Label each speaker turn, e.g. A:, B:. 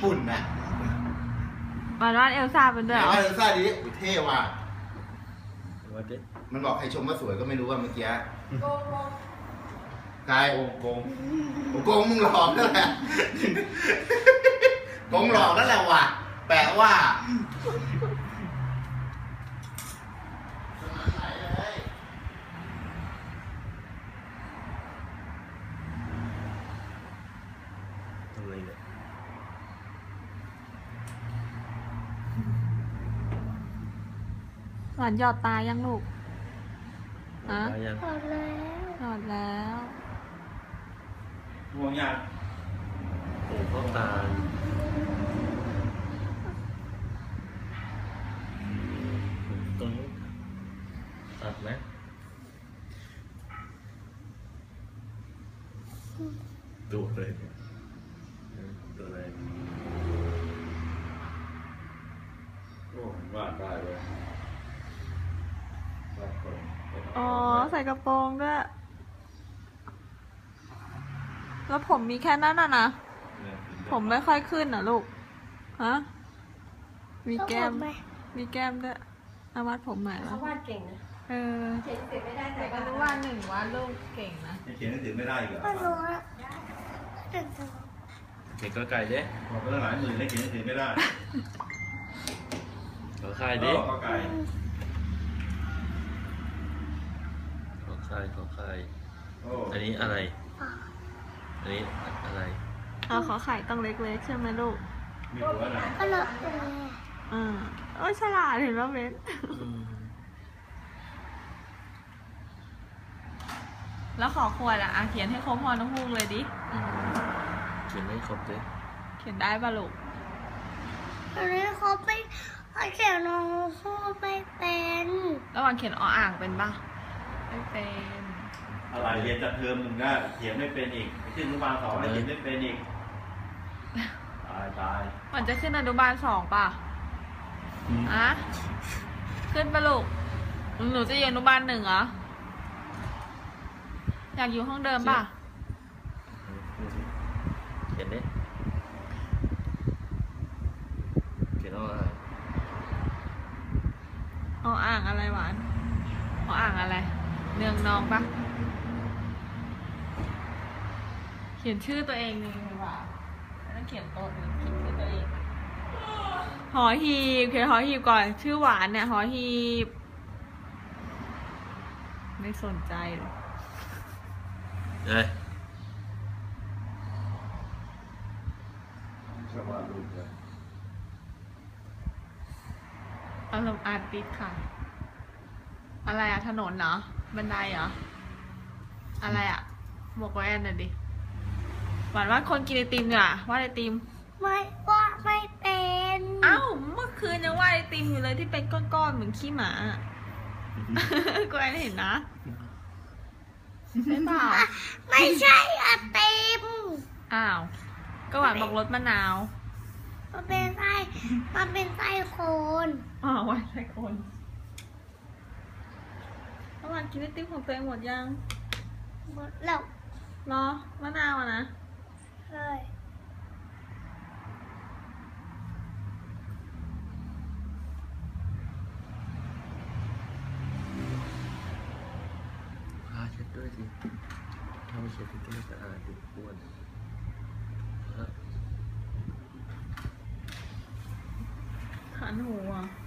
A: ปุ่นน่ะ
B: มาว่าเอลซ่าเป็นด้วยเหรอ
A: เอลซ่าดิเท่ว่ะ
C: วัดดิ
A: มันบอกใครชมว่าสวยก็ไม่รู้ว่าเมื่อกี้โกงใครโกงมึงหลอกนั่นแหละโกงหลอกนั่นแหละว่ะแปลว่า
C: ทำอะไรเนี่ย
B: หวานหยอดตายังลูกฮะ
C: ยัง
B: หยอดแล้ว
A: ห่วงยัง
C: โอ้พ่อตาตรงนี้ตัดไหมดูเลยดูเลย
A: โอ้วาดได้เลย
B: อ๋อใส่กระโปรงด้วยแล้วผมมีแค่นั้นน่ะนะผมไม่ค่อยขึ้นอ่ะลูกฮะมีแก้มด้วยเอาวาดผมใหม่แล้ว
D: เขาวาดเก่งนะ
B: เขียนเสร็จไม่ได้แต่ก็รู้วาดหนึ่งวาดลูกเก่งนะ
A: เขียนหนังสือไม่ได้อีกเหรอ
C: เด็กก็ไก่เด้
A: บอกไปตั้งหลายหมื่นแล้วเขียนหนังสือไม่ได้
C: ขอไข่ดิ
A: ขอไก่
C: ขอไข่อันนี้อะไรอันนี้อะไร
B: ขอไข่ต้องเล็กๆใช่ไหมลูก
A: มีหัวหน่อย
B: ก็เลยโอ้ฉลาดเห็นป่ะเบนแล้วขอขวดอ่ะเขียนให้ครบพอน้องพูกเลยดิ
C: เขียนให้ครบดิ
B: เขียนได้ป่ะลูก
D: อันนี้เขาไม่เขียนน้องพูดไม่เป็น
B: แล้ววันเขียนอ่างเป็นป่ะไม่เป็น
A: อะไรเรียนจากเทอมมึงก็เขียนไม่เป็นอีกขึ้นอนุบาล2แล้วเขียนไม่เป็นอีกตาย
B: มันจะขึ้นอนุบาล2ป่ะขึ้นไปลูกหนูจะอยู่อนุบาล1เหรออยากอยู่ห้องเดิมป่ะ
C: เขียนดิเขียนว่า
B: อ่างอะไรหวานอ่างอะไรเนืองนองป่ะเขียนชื่อตัวเองนี่ดีกว่าแล้วเขียนโต๊ะเขียนชื่อตัวเองหอหีบเขียนหอหีบก่อนชื่อหวานเนี่ยหอหีบไม่สนใจเลยอารมณ์อาร์ติสค่ะอะไรอะถนนเหรอบันไดเหรออะไรอะบอกว่าแอนน่ะดิหวานว่าคนกินไอติมเนี่ยว่าไอติม
D: ไม่ว่าไม่เป็น
B: เอ้าเมื่อคืนยังว่าไอติมอยู่เลยที่เป็นก้อนๆเหมือนขี้หมาก็แอนเห็นนะใช่เปล่า
D: ไม่ใช่ไอติม
B: อ้าวก็หวานบอกรสมะนาว
D: มันเป็นไส้โคน
B: หวานไส้โคนหวานกินไอติมของตัวเองหมดยัง
D: หมดแล้ว
B: รอมะนาวนะ
D: ใช่
C: ผ้าเช็ดด้วยสิถ้าไม่เช็ดก็ไม่สะอาดติดบ้วน
B: ขันหูอ่ะ